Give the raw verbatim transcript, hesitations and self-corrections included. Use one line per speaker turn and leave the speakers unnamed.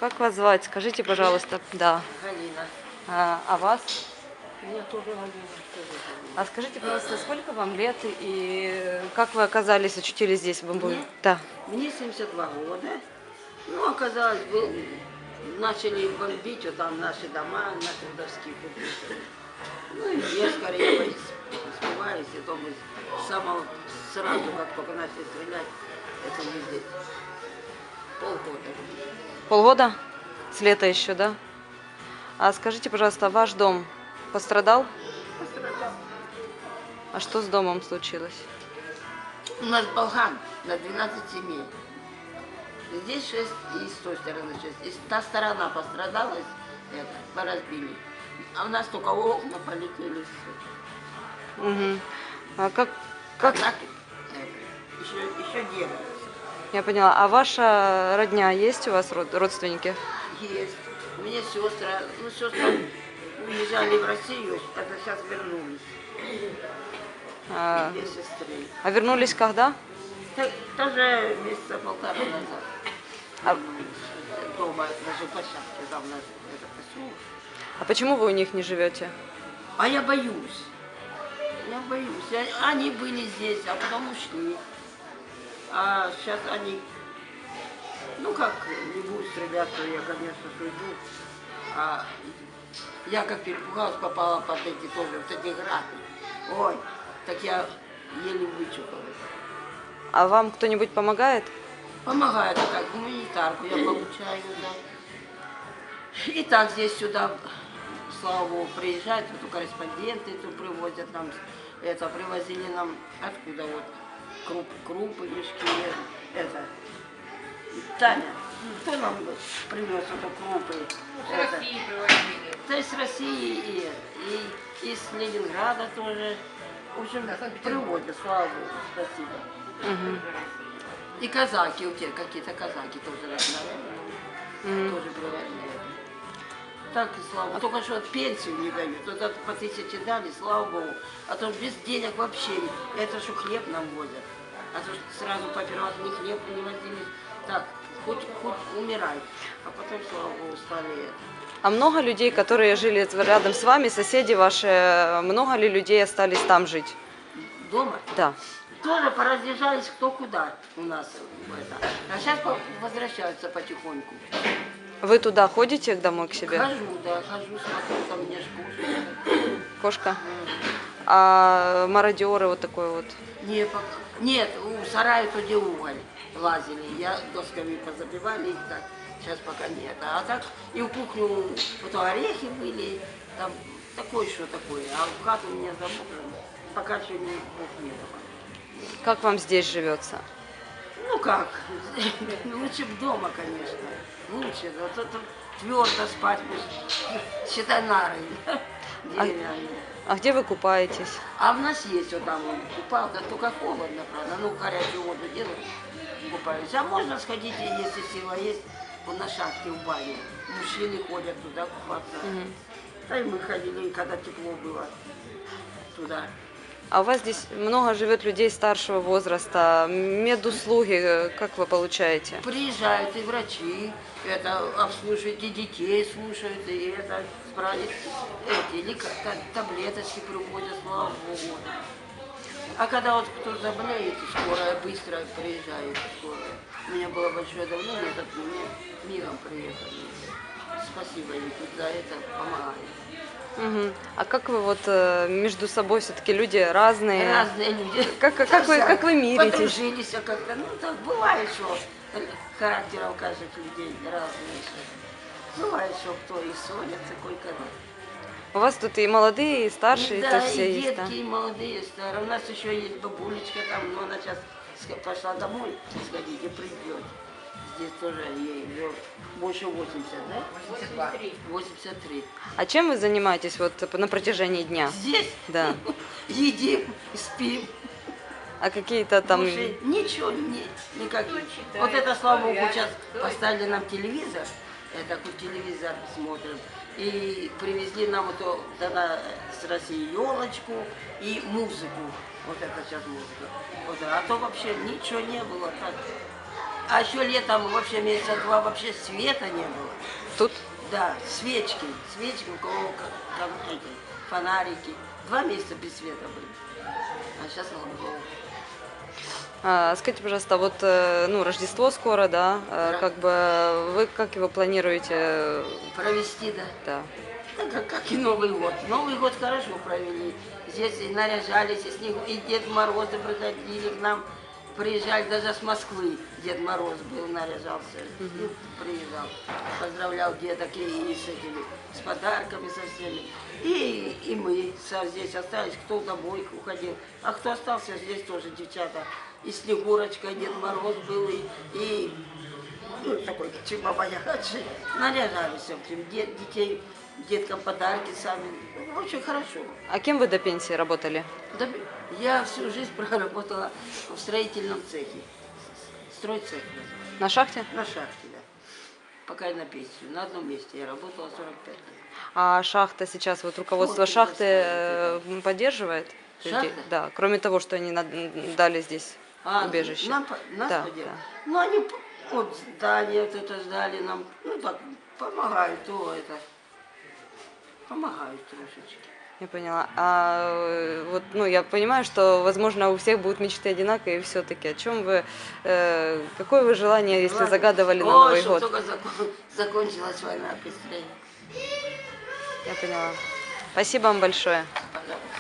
Как вас звать? Скажите, пожалуйста. Да.
Галина.
А, а вас?
Меня тоже Галина.
А скажите, пожалуйста, сколько вам лет и как вы оказались, очутились здесь, в Бамбуе?
Мне?
Да.
Мне семьдесят два года. Ну, оказалось, был, начали бомбить вот там наши дома, наши вдовские кубы. Ну, и я скорее испугаюсь, и то мы с самого, сразу, как только начали стрелять, это не здесь. Полгода.
Полгода? С лета еще, да? А скажите, пожалуйста, ваш дом пострадал?
Пострадал.
А что с домом случилось?
У нас балган на двенадцать семей. Здесь шесть, и с той стороны шесть. И та сторона пострадала, это, поразбили. А у нас только окна полетели.
Угу. А как,
Как
как...
так, это, еще, еще делается.
Я поняла. А ваша родня есть у вас, род- родственники?
Есть. У меня сестра, ну сестры уезжали в Россию, это сейчас вернулись.
А,
Две сестры.
а вернулись когда?
Т- Тоже месяца полтора назад.
А,
Дома, даже площадке, там на это поселок.
а почему вы у них не живете?
А я боюсь. Я боюсь. Я- Они были здесь, а потом ушли. А сейчас они, ну как, не будут стрелять, то я, конечно, уйду. А я как перепугалась, попала под эти тоже, вот эти грады. Ой, так я еле вычухалась.
А вам кто-нибудь помогает?
Помогает, как гуманитарку я получаю, да. И так здесь сюда, слава богу, приезжают, вот корреспонденты тут привозят нам, это, привозили нам, откуда вот, круп, крупы, мешки, это. Таня, кто нам привез эту крупы?
С России привозили.
То есть с России и, и из Ленинграда тоже. В общем, приводят, слава богу, спасибо.
Угу.
И казаки, у тебя какие-то казаки тоже, наверное,
Угу.
тоже привозили. Так, и слава богу. Только что пенсию не дают. Вот это по тысяче дали, слава богу. А то без денег вообще. Это что хлеб нам возят. А то сразу по первому ни хлеб не возили. Так, хоть, хоть умирай. А потом, слава богу, стали это.
А много людей, которые жили рядом с вами, соседи ваши, много ли людей остались там жить?
Дома?
Да.
Тоже поразъезжались кто куда у нас. Это. А сейчас возвращаются потихоньку.
Вы туда ходите домой к себе?
Хожу, да, хожу, смотрю, там мне ж кушают.
Кошка? А мародеры вот такой вот?
Не, пока. Нет, у сарая то где уголь лазили. Я досками позабивали их так. Сейчас пока нет. А так и в кухню вот орехи были, там такое что такое. А в хату у меня замужем пока еще не Бог не давал.
Как вам здесь живется?
Ну как, лучше б дома, конечно. Лучше, да, то, то твердо спать, пусть, считай нары деревянные.
А где вы купаетесь?
А у нас есть вот там купалка, только холодно, правда. Ну, горячую воду делают, купаюсь. А можно сходить, если сила есть, вот на шахте в баню. Мужчины ходят туда купаться.
Угу.
Да и мы ходили, когда тепло было, туда.
А у вас здесь много живет людей старшего возраста, медуслуги, как вы получаете?
Приезжают и врачи, это обслуживают, и детей слушают, и это справить эти лика- та- таблеточки приводят, слава богу. А когда вот кто заболеет, скорая быстро приезжает, скорая. У меня было большое давление, так мне миром приехали. Спасибо им тут за это помогают.
Угу. А как вы вот э, между собой все-таки люди разные?
Разные люди.
Как, как, вы, как вы миритесь?
Подружились, а как-то, ну так бывает, что характер у каждых людей разный. Что. Бывает, что кто и ссорится, кое-когда.
У вас тут и молодые, и старшие,
Да,
то все
и
есть, да?
детки, и молодые, и старые. У нас еще есть бабулечка там, но она сейчас пошла домой сходить и придет. Здесь тоже ей уже больше восемьдесят, да?
восемьдесят два.
восемьдесят три.
А чем вы занимаетесь вот на протяжении дня?
Здесь
Да.
едим, спим.
А какие-то там...
Слушай, ничего, не, никак. Вот это, слава богу, сейчас поставили нам телевизор, это такой телевизор смотрим, и привезли нам вот то- тогда с России елочку и музыку. Вот это сейчас музыка. Вот, а то вообще ничего не было. Так. А еще летом вообще месяца два вообще света не было.
Тут?
Да, свечки, свечки, у кого как, там эти фонарики. Два месяца без света были. А сейчас, слава богу.
А, скажите, пожалуйста, вот э, ну, Рождество скоро, да? Э,
Да.
Как бы вы как его планируете?
Провести, да.
Да.
Да, как, как и Новый год. Новый год хорошо провели. Здесь и наряжались, и, снег, и Дед Морозы приходили к нам. Приезжали даже с Москвы. Дед Мороз был, наряжался. И приезжал. Поздравлял деток и, и с этими, с подарками, со всеми. И, и мы со- здесь остались, кто домой уходил. А кто остался, здесь тоже девчата. И Снегурочка, и Дед Мороз был, и, и ну, такой чемобаячий. Наряжались всем, дет, детей, деткам подарки сами. Ну, очень хорошо.
А кем вы до пенсии работали?
Да, я всю жизнь проработала в строительном цехе. Стройцех называется.
На шахте?
На шахте, да. Пока я на пенсию. На одном месте я работала сорок пять лет.
А шахта сейчас, вот руководство
Шахты
шахты
достраивают,
э, поддерживает людей?
Шахта?
Да, кроме того, что они на- дали здесь
А,
убежище.
нам, по- нас
Да,
поддерживают?
да.
Ну, они п- вот здание вот это сдали нам. Ну, так, помогают, то это. Помогают трошечки.
Я поняла. А э, вот, ну, я понимаю, что, возможно, у всех будут мечты одинаковые, все-таки. О чем вы, э, какое вы желание, если
Ладно.
загадывали на
О,
Новый
чтоб
год?
только закон- закончилась война быстрее.
Я поняла. Спасибо вам большое.
Пожалуйста.